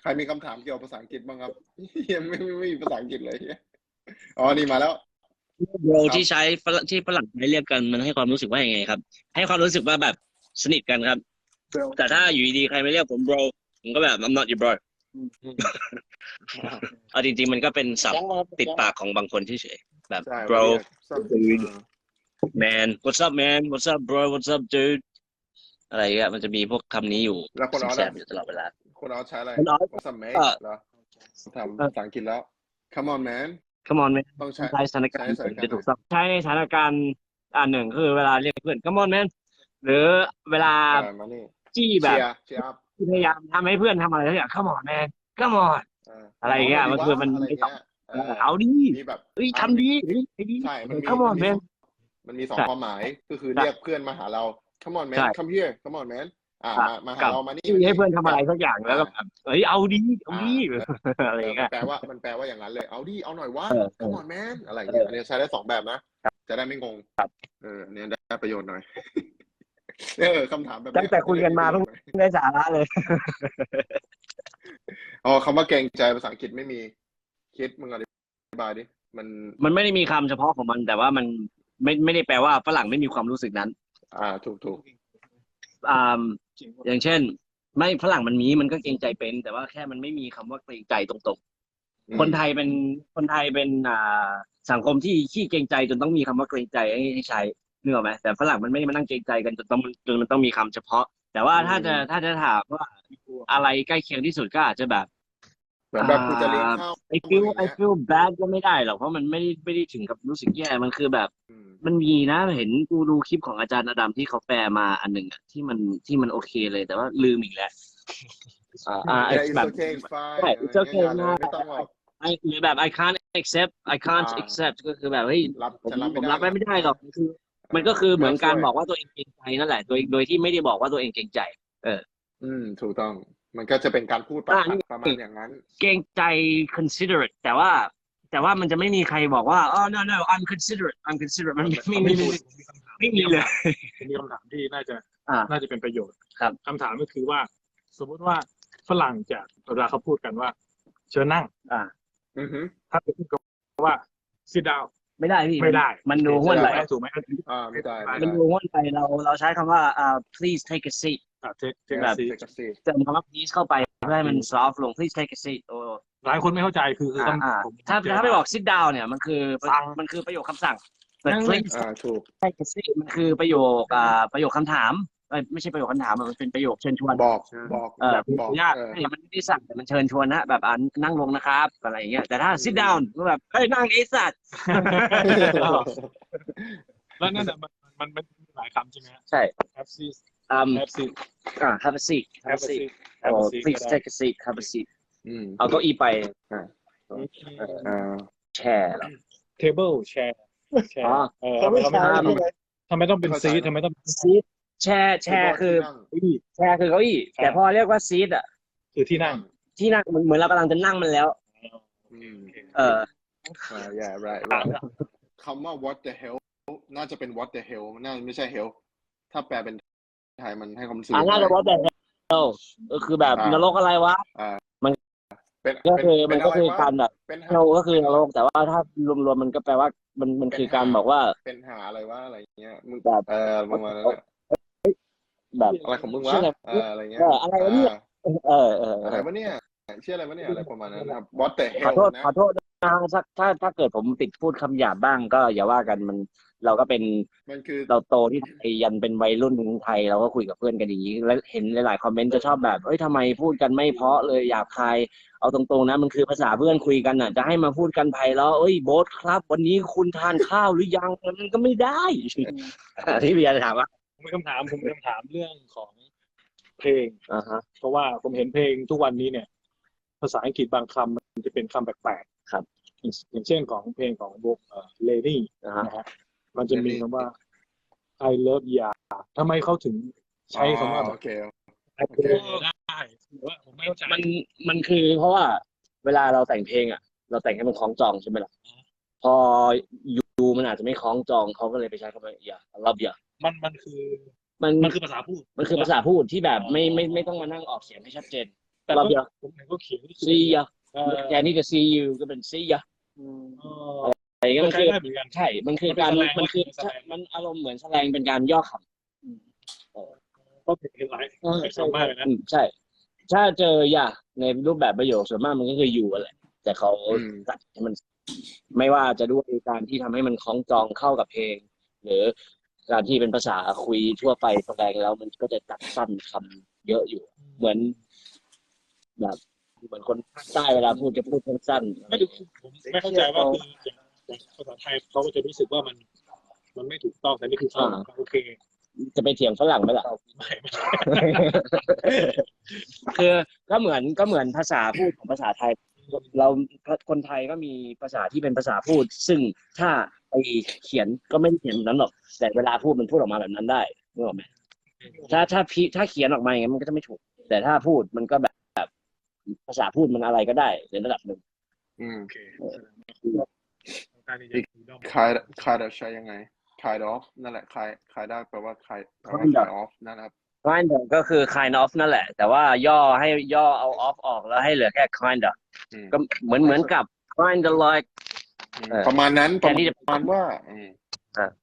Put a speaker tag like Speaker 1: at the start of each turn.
Speaker 1: ใครมีคำถามเกี่ยวกับภาษาอังกฤษบ้างครับยังไม่มีภาษาอังกฤษเลยอ๋อนี่มาแล้ว
Speaker 2: โบร
Speaker 1: ครับ
Speaker 2: ที่ใช้ที่ฝรั่งใช้เรียกกันมันให้ความรู้สึกว่ายังไงครับให้ความรู้สึกว่าแบบสนิทกันครับแต่ถ้าอยู่ดีๆใครไม่เรียกผมโบรผมก็แบบ I'm not your bro เอาจริงๆมันก็เป็นศัพท์ติดปากของบางคนเฉยๆแบบ
Speaker 1: ใช่
Speaker 2: bro
Speaker 1: เรียกซับ
Speaker 2: dude man what's up man what's up bro what's up dude อะไรเงี้ยมันจะมีพวกคำนี้อยู่
Speaker 1: แล้วคนออส
Speaker 2: แส
Speaker 1: อะ
Speaker 2: บๆอยู่ตลอดเวลา
Speaker 1: คนออสใช้อะไร
Speaker 2: คนออส
Speaker 1: What's up
Speaker 2: ก็
Speaker 1: mate เหรอทำภาษาอังกฤษแล้ว Come on man
Speaker 2: come on man
Speaker 1: ต้อง
Speaker 2: ใช้สถาน
Speaker 1: ใช้
Speaker 2: การณ์
Speaker 1: สถานการณ์ไหน
Speaker 2: จะถูกต้องใช้ในสถานการณ์หนึ่งคือเวลาเรียกเพื่อน come on man หรือเวลา
Speaker 1: มานี่
Speaker 2: จี้แบ
Speaker 1: เชี
Speaker 2: บ
Speaker 1: ยร์อัพ
Speaker 2: ที่พยายามทำให้เพื่อนทำอะไรสักอย่าง come on man come on อะไร
Speaker 1: เอาห
Speaker 2: เงี้ย
Speaker 1: น่อยดีวะ
Speaker 2: มันคือมัน
Speaker 1: อะไร
Speaker 2: ไม่ตอบ
Speaker 1: เงี้ย
Speaker 2: เอาดิ
Speaker 1: มีแบบ
Speaker 2: เฮ้ย
Speaker 1: มันมี
Speaker 2: ทำดีเฮ้ยไอ้ดี
Speaker 1: ใช่มันมี
Speaker 2: come
Speaker 1: มัน
Speaker 2: on
Speaker 1: มี
Speaker 2: man
Speaker 1: มันมีสอง
Speaker 2: ใช่
Speaker 1: ความหมายก็คือ
Speaker 2: ใช่
Speaker 1: เรียกเพื่อนมาหาเรา Come on
Speaker 2: ใช่
Speaker 1: man come here Come on man
Speaker 2: อ่ะ
Speaker 1: มาหา
Speaker 2: กับ
Speaker 1: เรามานี่
Speaker 2: จี้
Speaker 1: มานี่
Speaker 2: ให้เพื่อนทำ
Speaker 1: กับ
Speaker 2: อะไรสักอย่างแล้ว
Speaker 1: อ่า
Speaker 2: ก็แบบเฮ้ยเอาดีเอา
Speaker 1: อ่า
Speaker 2: ดี
Speaker 1: เออ
Speaker 2: อะไร
Speaker 1: มัน
Speaker 2: เงี้ย
Speaker 1: แปลว่าอย่างนั้นเลยเอาดิเอาหน่อยวะ
Speaker 2: เออ
Speaker 1: Come on man อะไร
Speaker 2: เอ
Speaker 1: เงี้ยอัน
Speaker 2: อ
Speaker 1: นี้ใช้ได้สองแบบนะจะได้ไม่งงอันนี้ได้ประโยชน์หน่อยคำถามแบบ
Speaker 2: ตั้งแต่
Speaker 1: เนี้ยจะได้
Speaker 2: คุยกันมาเพิ่ง
Speaker 1: มีประโยชน์หน่อย
Speaker 2: ได้สาระเลย
Speaker 1: อ๋อคำว่าเกรงใจภาษาอังกฤษไม่มีคิดมึงอธิบายดิมัน
Speaker 2: มันไม่ได้มีคำเฉพาะของมันแต่ว่ามันไม่ได้แปลว่าฝรั่งไม่มีความรู้สึกนั้น
Speaker 1: ถูก
Speaker 2: อ่าอย่างเช่นไม่ฝรั่งมันก็เกรงใจเป็นแต่ว่าแค่มันไม่มีคำว่าเกรงใจตรง
Speaker 1: อื
Speaker 2: ๆคน
Speaker 1: ม
Speaker 2: ไทยเป็นสังคมที่ขี้เกรงใจจนต้องมีคำว่าเกรงใจให้ใช้นึกออกไหมแต่ฝรั่งมันไม่ได้มานั่งเกรงใจกันจนมันต้องมีคำเฉพาะแต่ว่า
Speaker 1: อื
Speaker 2: ถ้าจะถามว่าอะไรใกล้เคียงที่สุดก็อาจจะแบบ
Speaker 1: เหมือน
Speaker 2: อ่
Speaker 1: แบบกูจะเลี้ยง
Speaker 2: า
Speaker 1: ข้าว
Speaker 2: I
Speaker 1: มึง
Speaker 2: feel
Speaker 1: อย่าง
Speaker 2: I
Speaker 1: เงี้ย
Speaker 2: feel bad ก็ไม่ได้หรอกเพราะมันไม่ได้ถึงกับรู้สึกแย่มันคือแบบ
Speaker 1: อืม
Speaker 2: มันมีนะเห็นกูดูคลิปของอาจารย์อดัมที่เขาแปลมาอันหนึ่งอะที่มันโอเคเลยแต่ว่าลืมอีกแล้วไอ้
Speaker 1: yeah it's
Speaker 2: แบบ
Speaker 1: okay it's
Speaker 2: ใช่
Speaker 1: fine อะไร
Speaker 2: it's
Speaker 1: เงี้ย
Speaker 2: okay
Speaker 1: อย่าเลย
Speaker 2: นะ
Speaker 1: ไม่ต้องหรอก
Speaker 2: หรือแบบ I
Speaker 1: อ่า
Speaker 2: can't accept ก็คือแบบเฮ้ยผม
Speaker 1: ฉันรับ
Speaker 2: ผมรับไว้
Speaker 1: ไม่ได้นะ
Speaker 2: ไม่ได้หรอกมันก็คือเหมือน
Speaker 1: ไม่ต้องช่วย
Speaker 2: การบอกว่าตัวเองเกรงใจนั่นแหละโดยที่ไม่ได้บอกว่าตัวเองเกรงใจเออ
Speaker 1: ถูกต้องมันก็จะเป็นการพูด
Speaker 2: นี่
Speaker 1: ประมาณอย่างนั้น
Speaker 2: เกรงใจ considerate แต่ว่ามันจะไม่มีใครบอกว่าoh no no I'm considerate มันไม่
Speaker 3: ไม่
Speaker 2: มี
Speaker 3: มี
Speaker 2: ไม่มีเลย
Speaker 3: ผมมีคำถามที่น่า
Speaker 2: อ่า
Speaker 3: จะเป็นประโยชน์
Speaker 2: ครับ
Speaker 3: คำถามก็คือว่า สมมุติว่าฝรั่งจะเวลาเขาพูดกันว่าเชิญนั่ง
Speaker 1: อือฮึ
Speaker 3: ถ้าไปพูดกันว่า sit down
Speaker 2: ไม่ได้พี่
Speaker 3: ไม่ได้
Speaker 2: มันดูห้วนไป
Speaker 3: ถูกไหม
Speaker 1: ไม่ได้
Speaker 2: มันดูห้วนไปเราใช้คำว่าplease take a seat
Speaker 3: เทค
Speaker 2: แบบ
Speaker 3: ซี
Speaker 2: เติมคำว่า please เข้าไปเพื่อให้มัน soft ลง please take a seat โอ้
Speaker 3: หลายคนไม่เข้าใจคือต้อง
Speaker 2: ถ้าไม่บอก sit down เนี่ยมันคือประโยคคำสั่งแต่ please
Speaker 1: ถูก
Speaker 2: take a seat มันคือประโยคคำถามไม่ใช่ประโยคคำถามมันเป็นประโยคเชิญชวน
Speaker 1: บอก
Speaker 3: แบบ
Speaker 2: ญาติมันไม่ได้สั่งแต่มันเชิญชวนนะแบบนั่งลงนะครับอะไรอย่างเงี้ยแต่ถ้า sit down ก็แบบเฮ้ยนั่งไอ้สัตว์
Speaker 3: แล้วนั่นน่ะมันมีหลายคำใช่ไหม
Speaker 2: ใช่
Speaker 3: have seat
Speaker 2: have
Speaker 3: seat
Speaker 2: have a seat
Speaker 3: have a seat
Speaker 2: please take a seat have a seat เอาเก้าอี้ไปแชร์เหรอ
Speaker 3: table chair ทำไมต้องเป็นซีททำไมต้อง
Speaker 2: ซีทแชร์คือแชร์คือเก้าอี้แต่พอเรียกว่าซีทอ่ะ
Speaker 3: คือที่นั่ง
Speaker 2: เหมือนเรากำลังจะนั่งมันแล้ว
Speaker 1: yeah right คำว่า what the hell น่าจะเป็น what the hell น่าไม่ใช่ hell ถ้าแปลเป็นไทยมันให้ความรู้สึก
Speaker 2: น่าจะ what the hell ก็คือแบบนรกอะไรวะมันก็คือการแบบ hell ก็คือนรกแต่ว่าถ้ารวมๆมันก็แปลว่ามันคือการบอกว่า
Speaker 1: เป็นหาอะไรวะอะไรเงี้ยมึงแบบประมาณนั้น
Speaker 2: แบบ
Speaker 1: อะไรของมึงวะอะไรเงี้ย
Speaker 2: อะไรวะเนี่ย
Speaker 1: อะไรวะเนี่ยเชื่ออะไรวะเนี่ยอะไรประมาณนั้นครับ what the
Speaker 2: ขอ
Speaker 1: hell
Speaker 2: โทษนะถ้าเกิดผมติดพูดคำหยาบบ้างก็อย่าว่ากันเราก็เป็นเราโตที่ไทยยันเป็นวัยรุ่นของไทยเราก็คุยกับเพื่อนกันอย่างนี้แล้วเห็นหลายๆคอมเมนต์จะชอบแบบเอ้ยทำไมพูดกันไม่เพราะเลยหยาบคายเอาตรงๆนะมันคือภาษาเพื่อนคุยกันน่ะจะให้มาพูดกันไพเราะเอ้ยโบ๊ทครับวันนี้คุณทานข้าวหรือยังมันก็ไม่ได้ที่เบียร์จะถามว่า
Speaker 3: ผมมีคำถามเรื่องของเพลงเพราะว่าผมเห็นเพลงทุกวันนี้เนี่ยภาษาอังกฤษบางคำมันจะเป็นคำแปลกๆครับอย่างเช่นของเพลงของวงเลนี่นะฮะมันจะมีคำว่า I love ya ทำไมเขาถึงใช้คำว่า
Speaker 1: โอเค
Speaker 3: ได้ผมไม่เข้าใจ
Speaker 2: มันคือเพราะว่าเวลาเราแต่งเพลงอ่ะเราแต่งให้มันคล้องจองใช่ไหมล่ะพอยูมันอาจจะไม่คล้องจองเขาก็เลยไปใช้คำว่าอย่า love ya
Speaker 3: มันคือภาษาพูด
Speaker 2: มันคือภาษาพูดที่แบบไม่ต้องมานั่งออกเสียงให้ชัดเจน
Speaker 3: แต่
Speaker 2: รอบเดียว
Speaker 3: ผมเห็นเขาเขียน
Speaker 2: see ya
Speaker 3: เออ
Speaker 2: แทนที่จะ see you ก็เป็น see ya
Speaker 3: อ๋อ
Speaker 2: อะไรก็
Speaker 3: ก็
Speaker 2: มัน
Speaker 3: ใช้
Speaker 2: คือ
Speaker 3: ได้เหมือนกัน
Speaker 2: ใช่มันคือการ
Speaker 3: มันเป็นแสดง
Speaker 2: มันอารมณ์เหมือนแสดงเป็นการย่อคำ
Speaker 3: ก็เห็นหลายคำมากเลยนะ
Speaker 2: ใช่ ถ้าเจออย่าในรูปแบบประโยคส่วนมากมันก็คืออยู่แหละแต่เขาตัดให้มันไม่ว่าจะด้วยการที่ทำให้มันคล้องจองเข้ากับเพลง หรือการที่เป็นภาษาคุยทั่วไปแสดงแล้วมันก็จะตัดสั้นคำเยอะอยู่ เหมือนแบบเหมือนคนภาคใต้เวลาพูดจะพูดสั้นๆ
Speaker 3: ไม่ดูผมไม่เข้าใจว่าคืออย่างภาษาไทยเขาก็จะรู้สึกว่ามันไม่ถูกต้องแต่นี่คือเขาโอเค
Speaker 2: จะไปเถียงฝรั่งไหมล่ะ
Speaker 3: ไม่
Speaker 2: คือก็เหมือนภาษาพูดของภาษาไทย เราคนไทยก็มีภาษาที่เป็นภาษาพูด ซึ่งถ้าไปเขียนก็ไม่ได้เขียนแบบนั้นหรอกแต่เวลาพูดมันพูดออกมาแบบนั้นได้นึกออกไหมถ้าเขียนออกมาอย่างนั้นมันก็จะไม่ถูก แต่ถ้าพูดมันก็แบบภาษาพูดมันอะไรก็ได้ในระดับหนึ่ง
Speaker 3: โอเค
Speaker 1: kind of ใช้ยังไง kind of นั่นแหละ kind ได้แปลว่า kind of นั่นครับ
Speaker 2: kind of ก็คือ kind of นั่นแหละ แต่ว่าย่อเอา off ออกแล้วให้เหลือแค่ kind of ก็เหมือนกับ kind of like
Speaker 1: ประมาณนั้นประมาณว่า